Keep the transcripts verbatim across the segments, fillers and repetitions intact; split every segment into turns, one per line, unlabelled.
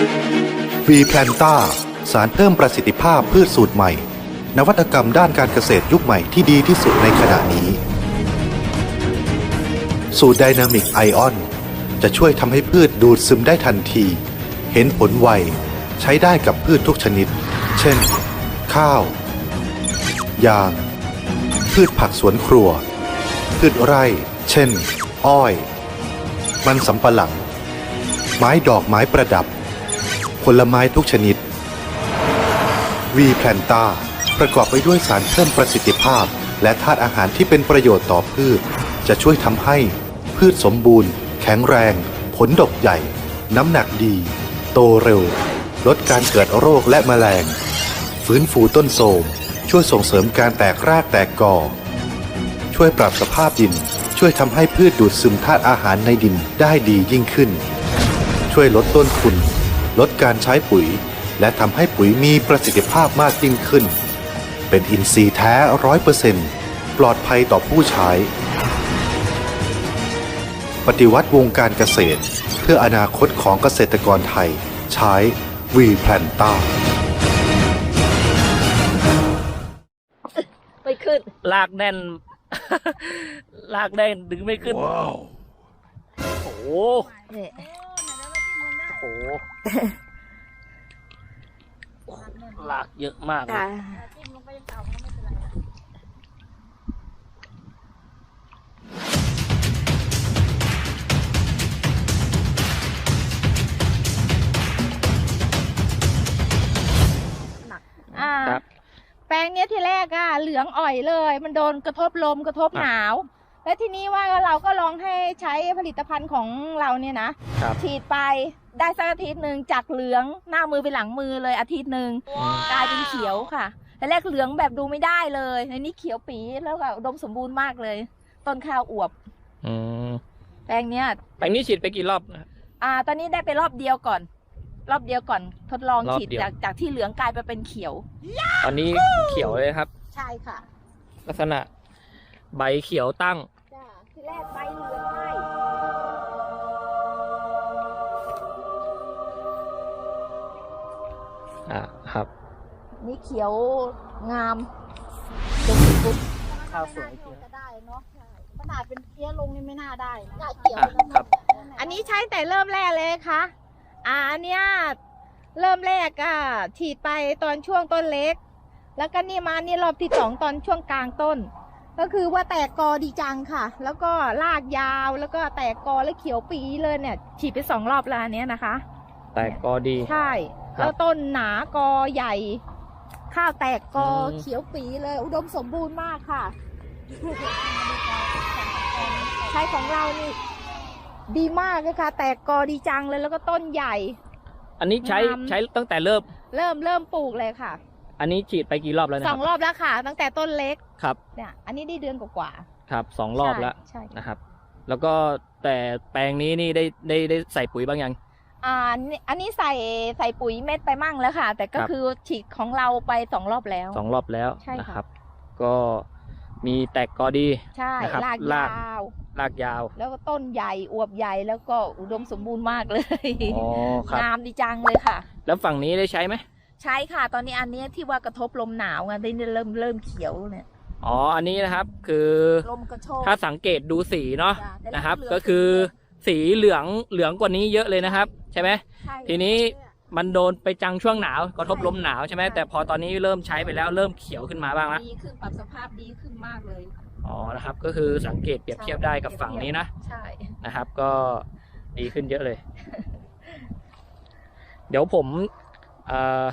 วีแพลนต้าสารเพิ่มประสิทธิภาพพืชสูตรใหม่นวัตกรรมด้านการเกษตรยุคใหม่ที่ดีที่สุดในขณะนี้สูตรไดนามิกไอออนจะช่วยทำให้พืชดูดซึมได้ทันทีเห็นผลไวใช้ได้กับพืชทุกชนิดเช่นข้าวยางพืชผักสวนครัวพืชไร่เช่นอ้อยมันสำปะหลังไม้ดอกไม้ประดับผลไม้ทุกชนิดวีแพลนต้าประกอบไปด้วยสารเพิ่มประสิทธิภาพและธาตุอาหารที่เป็นประโยชน์ต่อพืชจะช่วยทำให้พืชสมบูรณ์แข็งแรงผลดกใหญ่น้ำหนักดีโตเร็วลดการเกิดโรคและแมลงฟื้นฟูต้นโทรมช่วยส่งเสริมการแตกรากแตกกอช่วยปรับสภาพดินช่วยทำให้พืชดูดซึมธาตุอาหารในดินได้ดียิ่งขึ้นช่วยลดต้นทุนลดการใช้ปุ๋ยและทำให้ปุ๋ยมีประสิทธิภาพมากยิ่งขึ้นเป็นอินทรีย์แท้ ร้อยเปอร์เซ็นต์ ปลอดภัยต่อผู้ใช้ปฏิวัติวงการเกษตรเพื่ออนาคตของเกษตรกรไทยใช้วีแพลนต้า
ไม่ขึ้น
ลากแน่น ลากแน่นดึงไม่ขึ้นว้าวโอ้โหโอ้โหลากเยอะมากเลย
ครับแปลงเนี้ยที่แรกอะเหลืองอ่อยเลยมันโดนกระทบลมกระทบหนาวและทีนี้ว่าเราก็ลองให้ใช้ผลิตภัณฑ์ของเราเนี่ยนะฉีดไปได้สักอาทิตย์หนึ่งจากเหลืองหน้ามือไปหลังมือเลยอาทิตย์หนึ่งกลายเป็นเขียวค่ะแต่แรกเหลืองแบบดูไม่ได้เลยในนี้เขียวปีแล้วก็อุดมสมบูรณ์มากเลยต้นข้าวอวบแปลงเนี้ย
แปลงนี้ฉีดไปกี่รอบนะ
อ่าตอนนี้ได้ไปรอบเดียวก่อนรอบเดียวก่อนทดลองฉีดจากจากที่เหลืองกลายไปเป็นเขียว
ตอนนี้เขียวเลยครับ
ใช่ค่ะ
ลักษณะใบเขียวตั้ง
จ้าที่แรกใบเหลืองไหม
อ่าครับ
นี่เขียวงาม
ข้าวสวย
ก็ได้เนาะขนาดเป็นเพี้ยลงนี่ไม่น่าได้น่าเขียวครับอันนี้ใช้แต่เริ่มแรกเลยค่ะอ่าอันเนี้ยเริ่มแรกอ่ะฉีดไปตอนช่วงต้นเล็กแล้วก็นี่มานี่รอบที่สองตอนช่วงกลางต้นก็คือว่าแตกกอดีจังค่ะแล้วก็รากยาวแล้วก็แตกกอแล้วเขียวปีเลยเนี่ยฉีดไปสองรอบแล้วอันเนี้ยนะคะ
แตกกอดี
ใช่แล้วต้นหนากอใหญ่ข้าวแตกกอเขียวปีเลยอุดมสมบูรณ์มากค่ะใช้ของเรานี่ดีมากเลยค่ะแตกกอดีจังเลยแล้วก็ต้นใหญ่
อันนี้ใช้ใช้ตั้งแต่เริ่ม
เริ่มเริ่มปลูกเลยค่ะ
อันนี้ฉีดไปกี่รอบแล้วนะ
สองรอบแล้วค่ะตั้งแต่ต้นเล็ก
ครับ
เนี่ยอันนี้ได้เดือนกว่า
ครับสองรอบแล้วนะครับแล้วก็แต่แปลงนี้นี่ได้ได้ได้ใส่ปุ๋ยบ้างยัง
อ่าอันนี้ใส่ใส่ปุ๋ยเม็ดไปมั่งแล้วค่ะแต่ก็คือฉีดของเราไปสองรอบแล้ว
สองรอบแล้ว
ใช่
ครับก็มีแตกกอดี
ใช่รากยาว
รากยาว
แล้วก็ต้นใหญ่อวบใหญ่แล้วก็อุดมสมบูรณ์มากเลยงามดีจังเลยค่ะ
แล้วฝั่งนี้ได้ใช้ไหม
ใช่ค่ะตอนนี้อันนี้ที่ว่ากระทบลมหนาวไงได้เริ่มเริ่มเขียวเนี่ย
อ๋ออันนี้นะครับคือ
ลมกระโชก
ถ้าสังเกตดูสีเนาะนะครับก็คือสีเหลืองเหลืองกว่านี้เยอะเลยนะครับใช่ไหมทีนี้มันโดนไปจังช่วงหนาวกระทบลมหนาวใช่ไหมแต่พอตอนนี้เริ่มใช้ไปแล้วเริ่มเขียวขึ้นมาบ้างแล้ว
ดีขึ้นปรับสภาพดีขึ้นมากเลย
อ๋อนะครับก็คือสังเกตเปรียบเทียบได้กับฝั่งนี้นะ
ใช่
นะครับก็ดีขึ้นเยอะเลย เดี๋ยวผมอ่า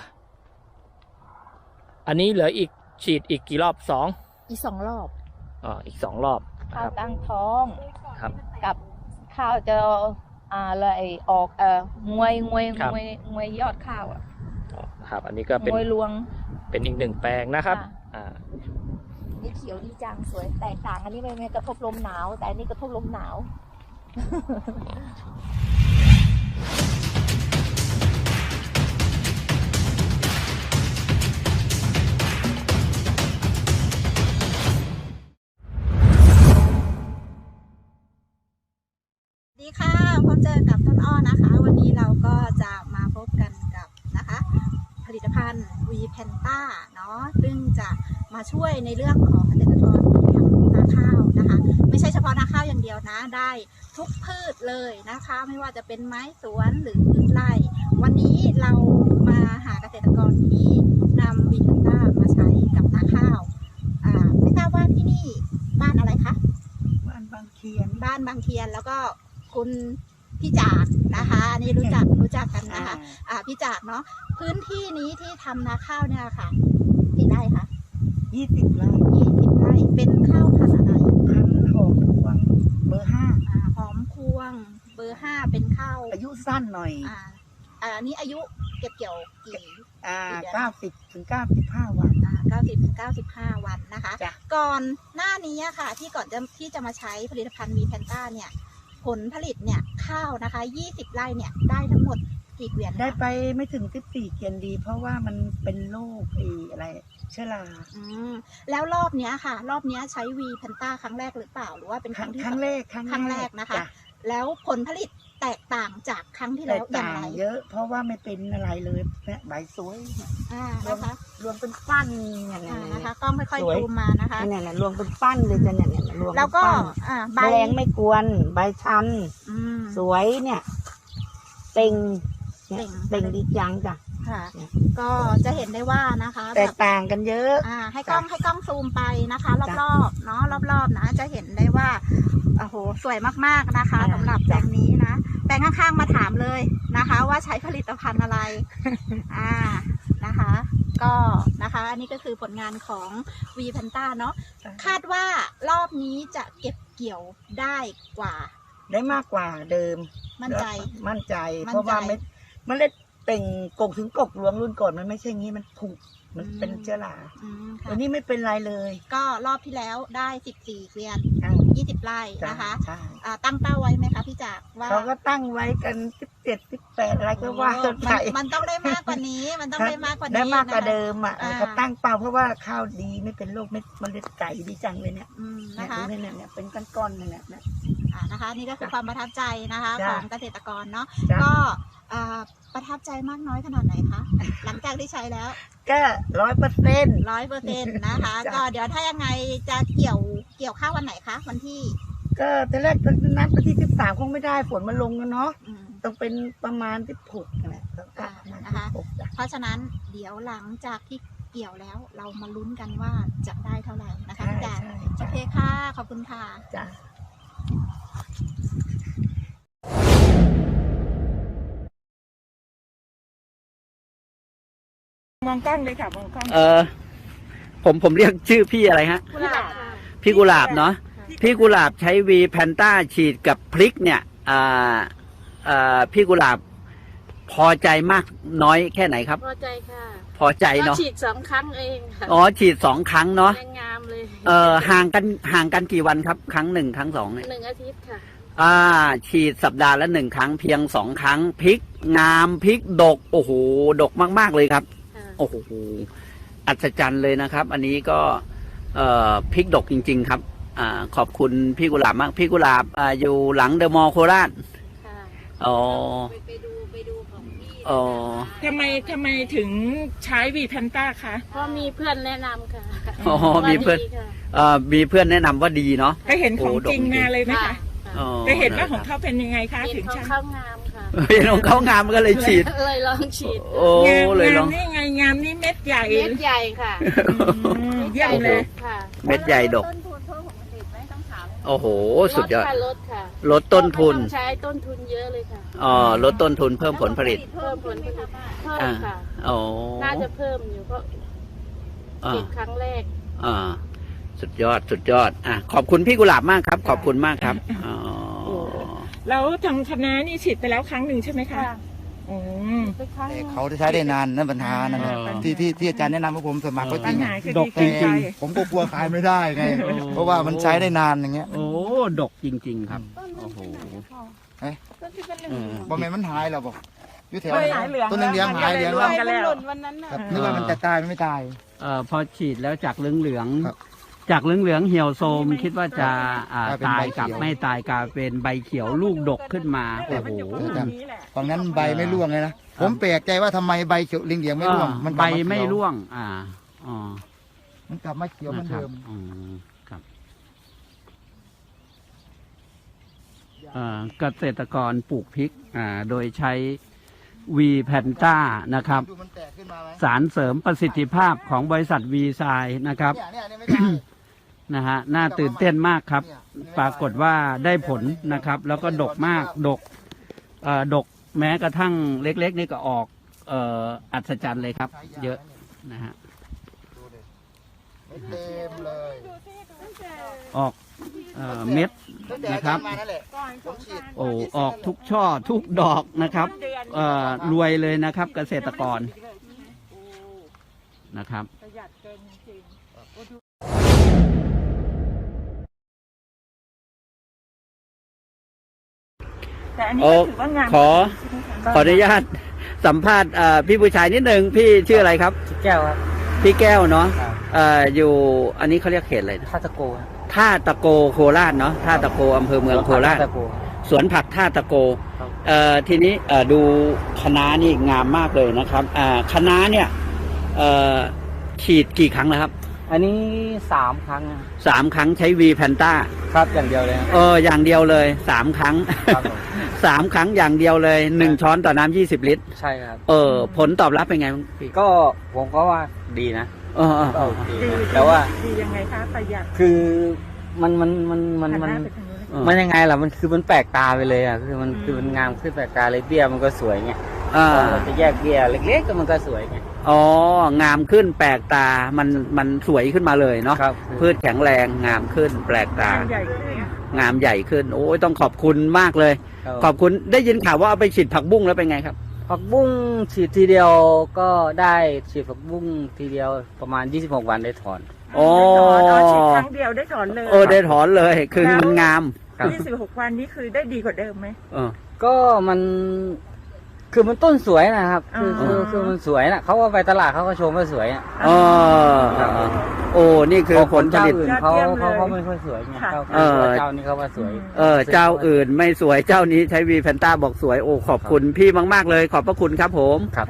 อันนี้เหลืออีกฉีดอีกกี่รอบสอง
อีกสองรอบ
อ๋ออีกสองรอบ
ข้าวตั้งท้อง
ครับ
กับข้าวจะอ่าเลยออกเอ่องวยงวยงวยงวยยอดข้าวอ่ะ
ครับอันนี้ก็เป็น
งวยรวง
เป็นอีกหนึ่งแปลงนะครับอ่า
นี่เขียวดีจังสวยแตกต่างอันนี้ไม่กระทบลมหนาวแต่อันนี้กระทบลมหนาว
สวัสดีค่ะพบเจอกับต้นอ้อนะคะวันนี้เราก็จะมาพบกัน
ญวีแพนต้าเนาะซึ่งจะมาช่วยในเรื่องของเกษตรกรที่ทำนาข้าวนะคะไม่ใช่เฉพาะนาข้าวอย่างเดียวนะได้ทุกพืชเลยนะคะไม่ว่าจะเป็นไม้สวนหรือพืชไร่วันนี้เรามาหาเกษตรกรที่นำวีแพนต้ามาใช้กับนาข้าวอ่าไม่ทราบว่าที่นี่บ้านอะไรคะบ้านบางเคียนบ้านบางเคียนแล้วก็คุณพี่จากนะคะอันนี่รู้จักรู้จักกันนะคะอ่าพี่จากเนาะพื้นที่นี้ที่ทำนาข้าวเนี่ยค่ะกี่ไร่คะยี่สิบไร่ยี่สิบไร่เป็นข้าวพันธุ์อะไรพันธุ์หอมพวงเบอร์ห้าอ่าหอมพวงเบอร์ห้าเป็นข้าวอายุสั้นหน่อยอ่าอ่าอันนี้อายุเก็บเกี่ยวกี่อ่าเก้าสิบถึงเก้าสิบห้าวันอ่าเก้าสิบถึงเก้าสิบห้าวันนะคะก่อนหน้านี้ค่ะที่ก่อนจะที่จะมาใช้ผลิตภัณฑ์วีแพนต้าเนี่ยผลผลิตเนี่ยข้าวนะคะยี่สิบไร่เนี่ยได้ทั้งหมดกี่เกวียนได้ไปไม่ถึงสิบสี่เกวียนดี เพราะว่ามันเป็นโรคไอ้อะไรเชื้อราอืมแล้วรอบเนี้ยค่ะ รอบเนี้ยใช้วีแพนต้าครั้งแรกหรือเปล่าหรือว่าเป็นครั้งที่ครั้งแรกครั้งแรกนะคะแล้วผลผลิตแตกต่างจากครั้งที่แล้วอย่างไรเยอะเพราะว่าไม่เป็นอะไรเลยเนี่ยใบสวยอ่านะคะรวมเป็นปั้นอย่างนี้นะคะก็ค่อยๆดูมานะคะเนี่ยเนี่ยรวมเป็นปั้นเลยจะเนี่ยเนี่ยรวมแล้วก็อ่าใบแรงไม่กวนใบชันสวยเนี่ยเต่งเต่งดีจังจ้ะค่ะก็จะเห็นได้ว่านะคะแตกต่างกันเยอะอ่าให้กล้องให้กล้องซูมไปนะคะรอบๆเนาะรอบๆนะจะเห็นได้ว่าโอ้โหสวยมากๆนะคะสำหรับแปลงนี้นะแปลงข้างๆมาถามเลยนะคะว่าใช้ผลิตภัณฑ์อะไรอ่านะคะก็นะคะอันนี้ก็คือผลงานของวีแพนต้าเนาะคาดว่ารอบนี้จะเก็บเกี่ยวได้กว่าได้มากกว่าเดิมมั่นใจมั่นใจเพราะว่าเม็ดเมล็ดเต่งกกถึงกกรวงรุ่นก่อนมันไม่ใช่งี้มันผุมันเป็นเชื้อราอันนี้ไม่เป็นไรเลยก็รอบที่แล้วได้สิบสี่เกวียนยี่สิบไร่นะคะตั้งเป้าไว้ไหมคะพี่จากว่าเขาก็ตั้งไว้กันสิบเจ็ดสิบแปดอะไรก็ว่าไปมันต้องได้มากกว่านี้มันต้องได้มากกว่านี้ได้มากกว่าเดิมอ่ะเขาตั้งเป้าเพราะว่าข้าวดีไม่เป็นโรคเม็ดเมล็ดไก่ดีจังเลยเนี่ยนะคะเนี่ยเนี่ยเป็นก้อนๆเนี่ยเนี่ยนะคะนี่ก็คือความประทับใจนะคะของเกษตรกรเนาะก็ประทับใจมากน้อยขนาดไหนคะหลังจากที่ใช้แล้วก็ร้อยเปอร์เซ็นต์ร้อยเปอร์เซ็นต์นะคะก็เดี๋ยวถ้ายังไงจะเกี่ยวเกี่ยวข้าววันไหนคะวันที่ก็ตอนแรกตอนนั้นวันที่สิบสามคงไม่ได้ฝนมันลงกันเนาะต้องเป็นประมาณสิบหกแหละนะคะเพราะฉะนั้นเดี๋ยวหลังจากที่เกี่ยวแล้วเรามาลุ้นกันว่าจะได้เท่าไหร่นะคะพี่จ๋าโอเคค่ะขอบคุณค่ะจ้า มองกล้องเลยค่ะมองกล้องเออผมผมเรียกชื่อพี่อะไรฮะพี่กุหลาบเนาะพี่กุหลาบใช้วีแพนต้าฉีดกับพริกเนี่ยอ่าอ่าพี่กุหลาบพอใจมากน้อยแค่ไหนครับพอใจค่ะพอใจเนาะฉีดสองครั้งเองค่ะอ๋อฉีดสองครั้งเนาะงามเลยเออห่างกันห่างกันกี่วันครับครั้งหนึ่งครั้งสองหนึ่งอาทิตย์ค่ะอ่าฉีดสัปดาห์ละหนึ่งครั้งเพียงสองครั้งพริกงามพริกดกโอ้โหดกมากๆเลยครับโอ้โหอัศจรรย์เลยนะครับอันนี้ก็เอ่อพริกดกจริงๆครับอ่าขอบคุณพี่กุหลาบมากพี่กุหลาบอ่าอยู่หลังเดอะมอลล์โคราชอ๋อไปดูไปดูของพี่อ๋อทำไมทำไมถึงใช้วีแพนต้าคะเพราะมีเพื่อนแนะนำค่ะอ๋อมีเพื่อนเอ่อมีเพื่อนแนะนำว่าดีเนาะได้เห็นของจริงมาเลยไหมคะได้เห็นว่าของเขาเป็นยังไงคะถึงใช้งามค่ะเห็นของเขางามก็เลยฉีดเลยลองฉีดโอ้เลยลองนี่ไงงามนี่เม็ดใหญ่เม็ดใหญ่ค่ะเยี่ยมเลยค่ะเม็ดใหญ่ดกต้นทุนเพิ่มของผลิตไหมต้องถามโอ้โหสุดยอดลดค่ะลดต้นทุนใช้ต้นทุนเยอะเลยค่ะอ๋อลดต้นทุนเพิ่มผลผลิตเพิ่มผลผลิตเพิ่มค่ะอ๋อน่าจะเพิ่มอยู่เพราะฉีดครั้งแรกอ่าสุดยอดสุดยอดอ่ะขอบคุณพี่กุหลาบมากครับขอบคุณมากครับอ๋อแล้วทางคณะนี่ฉีดไปแล้วครั้งหนึ่งใช่ไหมคะอืมเขาจะใช้ได้นานนั่นปัญหานั่นที่ที่ที่อาจารย์แนะนำว่าผมสมัครก็จริงดกจริงๆผมก็กลัวขายไม่ได้ไงเพราะว่ามันใช้ได้นานอย่างเงี้ยโอ้ดกจริงๆครับโอ้โหเฮ้ยบอมเมนมันหายแล้วบอกยุ่แถวต้นเลี้ยงหายเลี้ยงแล้วนึกว่ามันจะตายไม่ตายเอ่อพอฉีดแล้วจากเหลืองๆ
จากเหลืองๆเหี่ยวโทรมคิดว่าจะอ่าก
ลายเป็นใบ
ตายกับ
เขียว
ไม่ตายกลายเป็นใบเขียวลูกดกขึ้นมาโอ้โห
ฝั่งนั้นใบไม่ร่วงเลยนะผมแปลกใจว่าทำไมใบเขียวลิงเหลียงไม่ร่วง
อ่า
มันก
ใบ
ลัาเขียว
ไม่ร่วง อ่าอ๋อ
มันกลับมาเขียวเหมือน
นะครับ
เดิม
อืมครับเอ่อเกษตรกรปลูกพริกอ่าโดยใช้วีแพนต้านะครับ
ดูมันแตกขึ้นมาไหม
สารเสริมประสิทธิภาพของบริษัทวีไซน์นะครับ
เนี่ยเนี่ยเนี่ยไม่ได้
นะฮะน่าตื่นเต้นมากครับ ปรากฏว่าได้ผลนะครับ แล้วก็ดกมากดกเอ่อดกแม้กระทั่งเล็ก ๆ นี่ก็ออกเอ่ออัศจรรย์เลยครับ เยอะนะฮะ
ดูดิไม่เต็มเลย
ออกเอ่อเม็ด
ตั้งแต่อา
นะครั
จาร
บ
ย์มานั่นแหละผมฉีด
โอ้ออกทุกช่อทุกดอกนะครับเอ่อรวยเลยนะครับ เกษตรกรนะครับ
แต่อันนี้
โอ้
ก็ถือว่างาม
ขอ
ใช่ไหมคะ
ขออนุญาตสัมภาษณ์เอ่อพี่ผู้ชายนิดนึงพี่ชื่ออะไรครับ
แก้วครับ
พี่แก้วเนาะ
ครับ
เอ่ออยู่อันนี้เขาเรียกเขตอะไรนะ
ท่าตะโกครับ
ท่าตะโกโคราชเนาะท่าตะโกอำเภอเมืองโคราช
ท่ตะโก
สวนผักท่าตะโก
ครับ
เอ่อทีนี้เอ่อดูคะน้านี่งามมากเลยนะครับอ่าคะน้าเนี่ยเอ่อฉีดกี่ครั้งแล้วครับ
อันนี้สามครั้งนะ
สามครั้งใช้วีแพนต้า
ครับอย่างเดียวเลยครับ
เอออย่างเดียวเลยสามครั้ง
ครับผม
สามครั้งอย่างเดียวเลยหนึ่งช้อนต่อน้ำยี่สิบลิตร
ใช่ครับ
เออผลตอบรับเป็นไงบ้างพี่
ก็ผมก็ว่าดีนะ
เออเออเออ
ดี
ดี
นะแต่ว่า
ดียังไงคะประหยัด
คือมันมันมันมัน
หัน
มัน
หน้าไปทางนู้น
เออ
มันยังไงล่ะมันคือมันแปลกตาไปเลยอ่ะคือมันคือมันงามขึ้นแปลกตาเลยเบี้ยมันก็สวยไง
อ่า
เราจะแยกเบี้ยเล็กๆก็มันก็สวยไง
อ๋องามขึ้นแปลกตามันมันสวยขึ้นมาเลยเนาะ
ครับ
พืชแข็งแรงงามขึ้นแปลกตา
งานใหญ่ขึ้น
งามใหญ่ขึ้น โอ้ยต้องขอบคุณมากเลย ขอบคุณได้ยินข่าวว่าเอาไปฉีดผักบุ้งแล้วเป็นไงครับ
ผักบุ้งฉีดทีเดียวก็ได้ฉีดผักบุ้งทีเดียวประมาณยี่สิบหกวันได้ถอน
โอ้
อ๋อฉีดครั้งเดียวได้ถอนเลย
เออได้ถอนเลยคือมันงาม
ครับ
ยี่สิบหกวันนี้คือได้ดีกว่าเดิมไหม
เออ
ก็มันคือมันต้นสวยนะครับคือ
อ๋อ
คือคือมันสวยนะเขาว่าไปตลาดเขาก็ชมว่าสวยอ่ะ
เออโอ้นี่คือผลผ
เจ้า
ลิต
อื่นเขาเขาเขาไม่ค่อยสวยไงเจ้า
เออ
เจ้านี้เขาว่าสวย
เออเจ้าอื่นไม่สวยเจ้านี้ใช้วีแพนต้าบอกสวยโอ้ขอบคุณพี่มาก ๆ เลย ขอบพระคุณครับผม